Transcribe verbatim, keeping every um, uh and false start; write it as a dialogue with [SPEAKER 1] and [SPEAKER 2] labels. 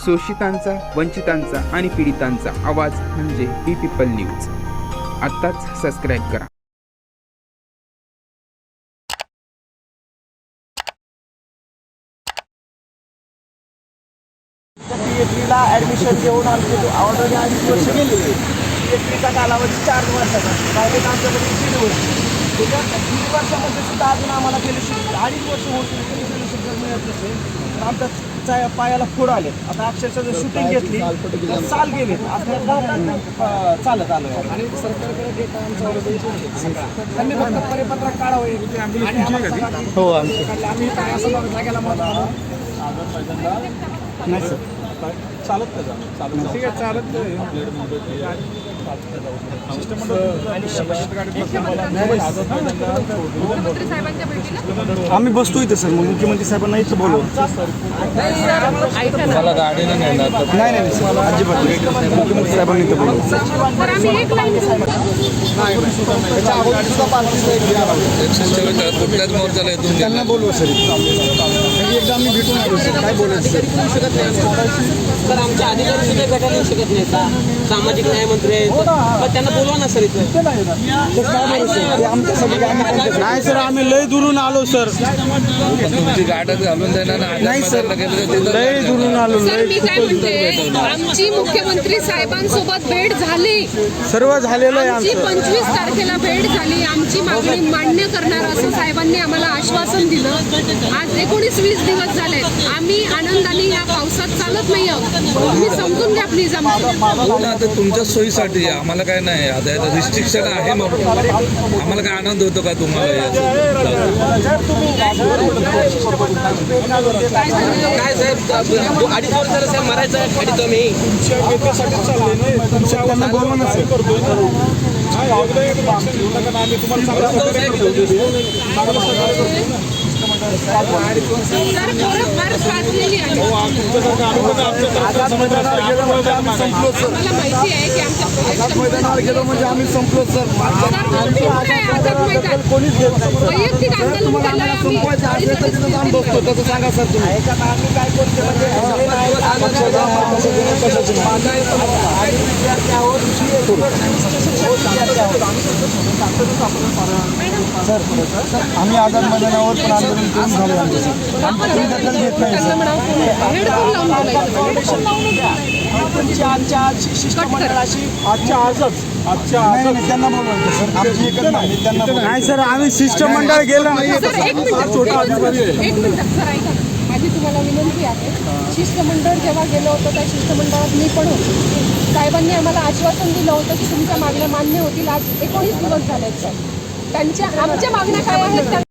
[SPEAKER 1] शोषितांचा, वंचितांचा आणि पीडितांचा आवाज म्हणजे बी पीपल न्यूज. आत्ताच सबस्क्राईब करा.
[SPEAKER 2] पीएचडीला ॲडमिशन घेऊन आमचे ऑलरेडी अडीच वर्ष गेले. पीएचडीचा कालावधी चार वर्षाचा, प्रायव्हेट आमच्याकडे दीड वर्ष. त्याच्या दीड वर्षामध्ये सुद्धा अजून आम्हाला फेलोशिप अडीच वर्ष होती तरी फेलोशिप जर मिळत नसेल तर आमच्या चा पायाला फोड आले. आता अक्षरशः जर शूटिंग घेतली तर साल गेले आता चालत आलो आहे. आणि सरकारकडे डेटा आमचा त्यांनी फक्त परिपत्रक काढावं. हो आम्ही असं जागेला मत नाही सर चालत का चालत ठीक आहे चालत आम्ही बसतो इथे सर. मग मुख्यमंत्री साहेबांना इथं बोलू. मला गाडीनं नाही नाही नाही सर अजिबात मुख्यमंत्री साहेबांनी इथं बोलू.
[SPEAKER 3] कुठल्याच मोर्चाला येतो
[SPEAKER 2] त्यांना बोलू सर. एकदा आम्ही भेटून आलो सर. काय बोलायचं
[SPEAKER 4] सर आमच्या अधिकारी सुद्धा भेटायला येऊ शकत नाही. सामाजिक न्याय मंत्री आहेत त्यांना बोलवा ना सर इथं.
[SPEAKER 2] नाही सर आम्ही लय दुरून आलो सर.
[SPEAKER 3] तुमची गाडच घालून देणार
[SPEAKER 2] नाही सर लय दुरून आलो.
[SPEAKER 5] सर मी काय म्हणते, आमची मुख्यमंत्री साहेबांसोबत भेट झाली,
[SPEAKER 2] सर्व झालेलं आहे
[SPEAKER 5] आमची
[SPEAKER 2] आमचं.
[SPEAKER 5] पंचवीस तारखेला भेट झाली. आमची मागणी मान्य करणार असं साहेबांनी आम्हाला आश्वासन दिलं. आज एकोणीस वीस दिवस झाले आम्ही आनंदाने या पावसात चालत नाही आहोत. तुम्ही समजून घ्या प्लीज.
[SPEAKER 3] आता तुमच्या सोयीसाठी आम्हाला काय नाही. आता रिस्ट्रिक्शन आहे मग आम्हाला काय आनंद होतो का तुम्हाला?
[SPEAKER 4] काय साहेब अडीच वर्षाला साहेब मरायचं गाडी तुम्ही
[SPEAKER 2] त्यांना बोलवा ना सर.
[SPEAKER 5] सर फारच वाचलेली आहे. आम्हाला माहिती आहे की आमच्या
[SPEAKER 2] गेलो म्हणजे आम्ही संपलो सर. कोणीच घेत नाही.
[SPEAKER 5] वैयक्तिक आंदोलन केलंय आम्ही.
[SPEAKER 2] आम्ही बसतो तसं सांगा सर तुम्ही. आम्ही काय करतो सर आम्ही आझाद मैदानावर पण आंदोलन करून झाले आमचे सर. आमची दखल घेत नाही सर. आजच्या आज शिष्टमंडळाशी आजच्या आजच आजच्या आज त्यांना बोलवायचं सर. आमची एकच नाही त्यांना नाही सर. आम्ही शिष्टमंडळ गेलं नाही.
[SPEAKER 5] सर एक मिनिट एक मिनिट सर ऐका. माझी तुम्हाला विनंती आहे, शिष्टमंडळ जेव्हा गेलं होतं त्या शिष्टमंडळात मी पण होते. साहेबांनी आम्हाला आश्वासन दिलं होतं की तुमच्या मागण्या मान्य होतील. आज एकोणीस दिवस झालेत सर. त्यांच्या आमच्या मागण्या काय आहेत